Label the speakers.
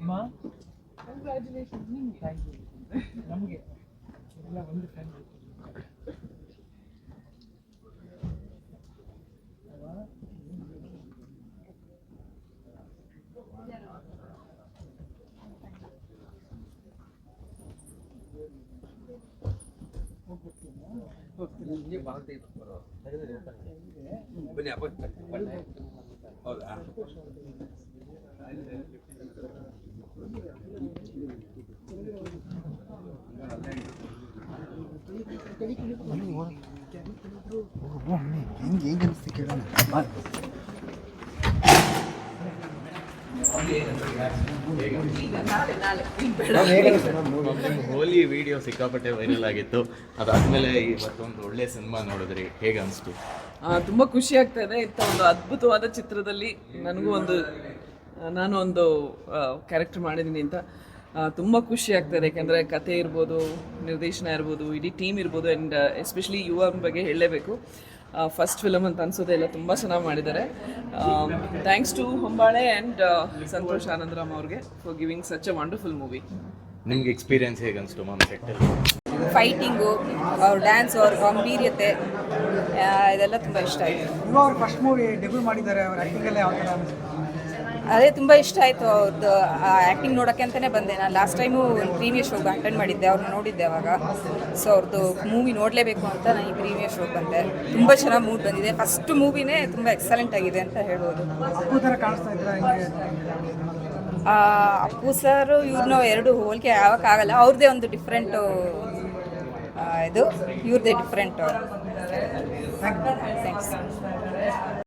Speaker 1: Congratulation ನಿಮಗೆ. Thank you. ನಮಗೆ ಎಲ್ಲ ಒಂದು ಫ್ರೆಂಡ್
Speaker 2: ಹೌದಾ?
Speaker 3: ಹೆಂಗೆ ಅನಿಸ್ತು ಕೇಳೋಣ.
Speaker 4: ಹೋಲಿ ವಿಡಿಯೋ ಸಿಕ್ಕಾಪಟ್ಟೆ ವೈರಲ್ ಆಗಿತ್ತು. ಅದಾದ್ಮೇಲೆ ಇವತ್ತೊಂದು ಒಳ್ಳೆ ಸಿನಿಮಾ ನೋಡಿದ್ರಿ, ಹೇಗೆ ಅನಿಸ್ತು?
Speaker 5: ತುಂಬ ಖುಷಿ ಆಗ್ತಾ ಇದೆ. ಇಂಥ ಒಂದು ಅದ್ಭುತವಾದ ಚಿತ್ರದಲ್ಲಿ ನಾನು ಒಂದು ಕ್ಯಾರೆಕ್ಟರ್ ಮಾಡಿದ್ದೀನಿ ಅಂತ ತುಂಬ ಖುಷಿ ಆಗ್ತದೆ. ಯಾಕೆಂದರೆ ಕತೆ ಇರ್ಬೋದು, ನಿರ್ದೇಶನ ಇರ್ಬೋದು, ಇಡೀ ಟೀಮ್ ಇರ್ಬೋದು, ಆ್ಯಂಡ್ ಎಸ್ಪೆಷಲಿ ಯುವನ ಬಗ್ಗೆ ಹೇಳಲೇಬೇಕು. ಫಸ್ಟ್ ಫಿಲಮ್ ಅಂತ ಅನ್ಸೋದೆ ಎಲ್ಲ ತುಂಬ ಚೆನ್ನಾಗಿ ಮಾಡಿದ್ದಾರೆ. Thanks to Hombale and Santhosh Anandram ಅವ್ರಿಗೆ for giving such a wonderful movie.
Speaker 4: ನಿಮ್ಗೆ ಎಕ್ಸ್ಪೀರಿಯನ್ಸ್ ಹೇಗೆ ಅನಿಸ್ತು ಮ್ಯಾಮ್ ಸೆಟ್ಟಲ್ಲಿ?
Speaker 6: ಫೈಟಿಂಗು, ಅವ್ರ ಡ್ಯಾನ್ಸ್, ಅವ್ರ ಗಂಭೀರ್ಯತೆ, ಇದೆಲ್ಲ ತುಂಬ ಇಷ್ಟ ಆಯಿತು.
Speaker 3: ಅವ್ರು ಫಸ್ಟ್ ಮೂವಿ ಡೆಬ್ಯೂ ಮಾಡಿದ್ದಾರೆ. ಅವ್ರ ಆ್ಯಕ್ಟಿಂಗಲ್ಲೇ ಯಾವ ಥರ ಅನಿಸ್ತು?
Speaker 6: ಅದೇ ತುಂಬ ಇಷ್ಟ ಆಯಿತು ಅವ್ರದ್ದು ಆ್ಯಕ್ಟಿಂಗ್ ನೋಡೋಕ್ಕೆ ಅಂತಲೇ ಬಂದೆ. ನಾನು ಲಾಸ್ಟ್ ಟೈಮು ಪ್ರೀವಿಯಸ್ ಶೋಗೆ ಅಟೆಂಡ್ ಮಾಡಿದ್ದೆ, ಅವ್ರನ್ನ ನೋಡಿದ್ದೆ ಅವಾಗ. ಸೊ ಅವ್ರದ್ದು ಮೂವಿ ನೋಡಲೇಬೇಕು ಅಂತ ನಾನು ಈ ಪ್ರೀವಿಯಸ್ ಶೋಗೆ ಬಂದೆ. ತುಂಬ ಚೆನ್ನಾಗಿ ಮೂಡ್ ಬಂದಿದೆ. ಫಸ್ಟ್ ಮೂವಿನೇ ತುಂಬ ಎಕ್ಸಲೆಂಟ್ ಆಗಿದೆ ಅಂತ ಹೇಳ್ಬೋದು.
Speaker 3: ಅಪ್ಪು ಥರ ಕಾಣಿಸ್ತಾ ಇದ್ರೆ
Speaker 6: ಅಪ್ಪು ಸರ್ ಇವ್ರನ್ನ ಎರಡು ಹೋಲಿಕೆ ಆಗೋಕ್ಕಾಗಲ್ಲ. ಅವ್ರದ್ದೇ ಒಂದು ಡಿಫ್ರೆಂಟು ಇದು, ಇವ್ರದ್ದೇ ಡಿಫ್ರೆಂಟು. ಥ್ಯಾಂಕ್ಸ್.